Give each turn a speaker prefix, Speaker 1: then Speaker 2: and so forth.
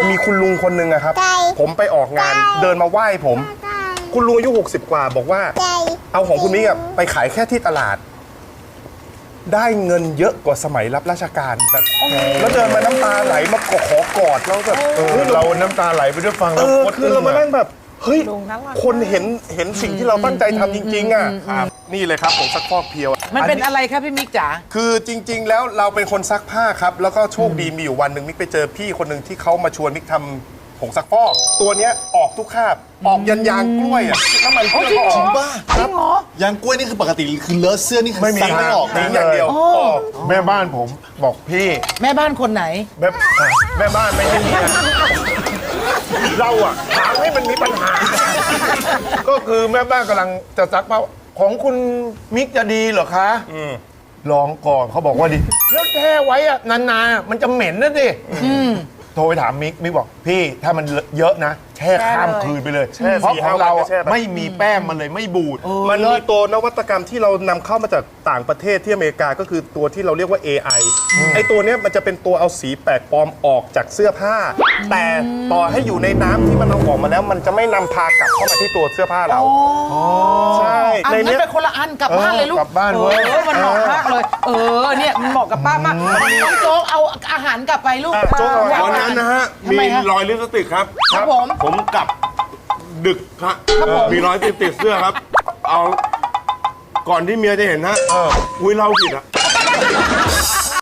Speaker 1: มีคุณลุงคนหนึ่งอะครับผมไปออกงานเดินมาไหว้ผมคุณลุงอายุ60 กว่าบอกว่าเอาของคุณมิกไปขายแค่ที่ตลาดได้เงินเยอะกว่าสมัยรับราชการแบบแล้วเดินมาน้ำตาไหลมาขอกอดแล้วแบบ
Speaker 2: เราน้ำตาไหลไปด้วยฟังแล้ว
Speaker 1: คือเรามานั่งแบบเฮ้ยคนเห็นสิ่งที่เราตั้งใจทำจริงๆอ่ะนี่เลยครับผมซักฟอกเพียว
Speaker 3: มันเป็นอะไรครับพี่มิกจ๋า
Speaker 1: คือจริงๆแล้วเราเป็นคนซักผ้าครับแล้วก็โชคดีมีอยู่วันหนึ่งมิกไปเจอพี่คนหนึ่งที่เขามาชวนมิกทำผงซักฟอกตัวเนี้ยออกทุกคราบออกยันยางกล้วยอ่ะน้ำมันเครื่องก็ออก
Speaker 4: บ้าครับยางกล้วยนี่คือปกติคือเลอะเสื้อนี่คือซักไม่ออก
Speaker 1: ทิ้งอย่างเดียว
Speaker 2: แม่บ้านผมบอกพี่
Speaker 3: แม่บ้านคนไหน
Speaker 2: แม่บ้านไม่ใช่เมียเราอะถามให้มันมีปัญหาก็คือแม่บ้านกำลังจะซักผ้าของคุณมิกจะดีเหรอคะลองก่อนเขาบอกว่าดีแล้วแช่ไว้อะนานๆมันจะเหม็นนะดิโทรไปถามมิกบอกพี่ถ้ามันเยอะนะแช่ข้ามคืนไปเลยเพราะของเราไม่มีแป้งมันเลยไม่บูด
Speaker 1: มันมีตัวนวัตกรรมที่เรานำเข้ามาจากต่างประเทศที่อเมริกาก็คือตัวที่เราเรียกว่า AI ไอตัวเนี้ยมันจะเป็นตัวเอาสีแปลกปลอมออกจากเสื้อผ้าแต่ต่อให้อยู่ในน้ำที่มันเอาออกมาแล้วมันจะไม่นำพากลับเข้ามาที่ตัวเสื้อผ้าเราใช่
Speaker 3: ในนี้เป็นคนละอันกลับบ้านเลยลูก
Speaker 2: กลับบ้านเว้ย
Speaker 3: มันเหมาะมากเลยเนี่ยมันเหมาะกับป้ามากน้องโจ๊กเอาอาหารกลับไปลูก
Speaker 2: วันนั้นนะฮะมีรอยลิปสติกครับผมกลับดึกครับมีรอยติดเสื้อครับเอาก่อนที่เมียจะเห็นนะอุ้ยเราผิดอะ